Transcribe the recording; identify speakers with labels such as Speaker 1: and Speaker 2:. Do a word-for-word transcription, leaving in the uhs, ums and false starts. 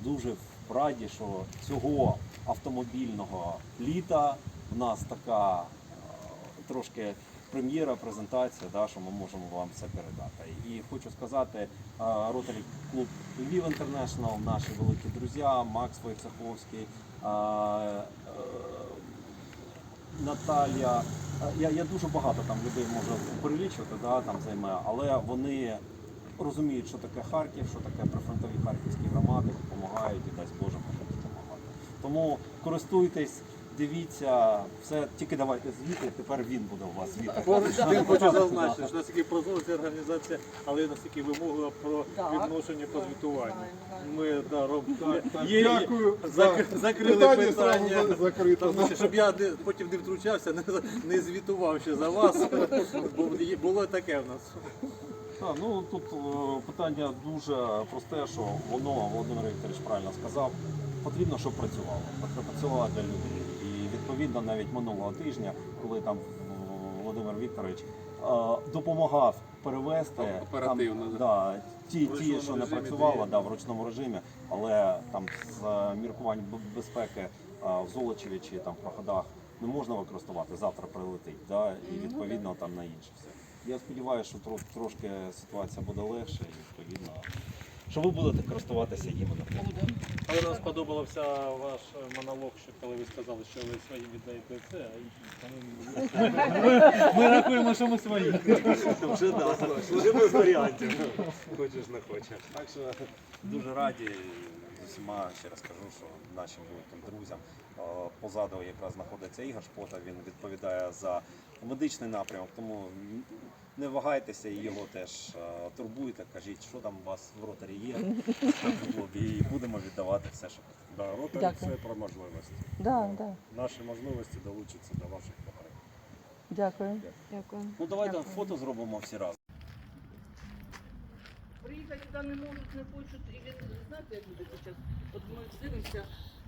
Speaker 1: дуже раді, що цього автомобільного літа в нас така е, трошки прем'єра, презентація, да, що ми можемо вам це передати. І хочу сказати, Rotary клуб Львів Інтернешнл, наші великі друзі, Макс Войцеховський, Наталія. Я, я дуже багато там людей можу перелічувати, да, там займає, але вони розуміють, що таке Харків, що таке прифронтові харківські громади, допомагають і дасть Боже будуть допомагати. Тому користуйтесь, дивіться, все, тільки давайте звіти, тепер він буде у вас звіти.
Speaker 2: Поруч з тим хочу зазначити, що наскільки прозора ця організація, але наскільки вимогла про відношення по звітуванню. Ми да, робимо. Є,
Speaker 3: Дякую.
Speaker 2: зак- закрили
Speaker 3: Питання
Speaker 2: питання,
Speaker 3: зразу закрито.
Speaker 2: тому що, щоб я не, потім не втручався, не, не звітував ще за вас, бо є- було таке в нас.
Speaker 1: Так, ну тут е, питання дуже просте, що воно, Володимир Вікторович правильно сказав, потрібно, щоб працювало. Працювало для людей. І відповідно навіть минулого тижня, коли там е, Володимир Вікторович е, допомагав перевести
Speaker 4: Оперативно,
Speaker 1: там,
Speaker 4: да.
Speaker 1: да, ті,
Speaker 2: В
Speaker 1: ті,
Speaker 2: ручному
Speaker 1: що не
Speaker 2: режимі,
Speaker 1: працювало,
Speaker 2: ті-
Speaker 1: да, в ручному режимі, але там з е, міркувань б- безпеки е, в Золочеві чи там в Проходах не можна використовувати, завтра прилетить, да, і відповідно там на інше все. Я сподіваюся, що тро- трошки ситуація буде легше і відповідно, що ви будете користуватися їм.
Speaker 5: Але нам сподобався ваш монолог, що коли ви сказали, що ви своїм віддаєте це, а інші ми, ми рахуємо, що ми свої.
Speaker 1: Вже да, вже без варіантів. Хочеш, не хочеш. Так що дуже раді з усіма, ще раз кажу, що нашим великим друзям. Е, Позаду якраз знаходиться Ігор Шпота, він відповідає за медичний напрямок, тому не вагайтеся і його теж е, турбуйте, кажіть, що там у вас в Ротарі є, і будемо віддавати все, що потрібно.
Speaker 6: Да, Ротарі
Speaker 7: Дякую.
Speaker 6: це про можливості.
Speaker 7: Да, да.
Speaker 6: Наші можливості долучаться до ваших потреб.
Speaker 7: Дякую.
Speaker 8: Дякую.
Speaker 1: Ну давайте фото зробимо всі разом.
Speaker 9: Приїхати сюди не можуть, не хочуть. І ви знаєте, як люди зараз? От ми дивимося,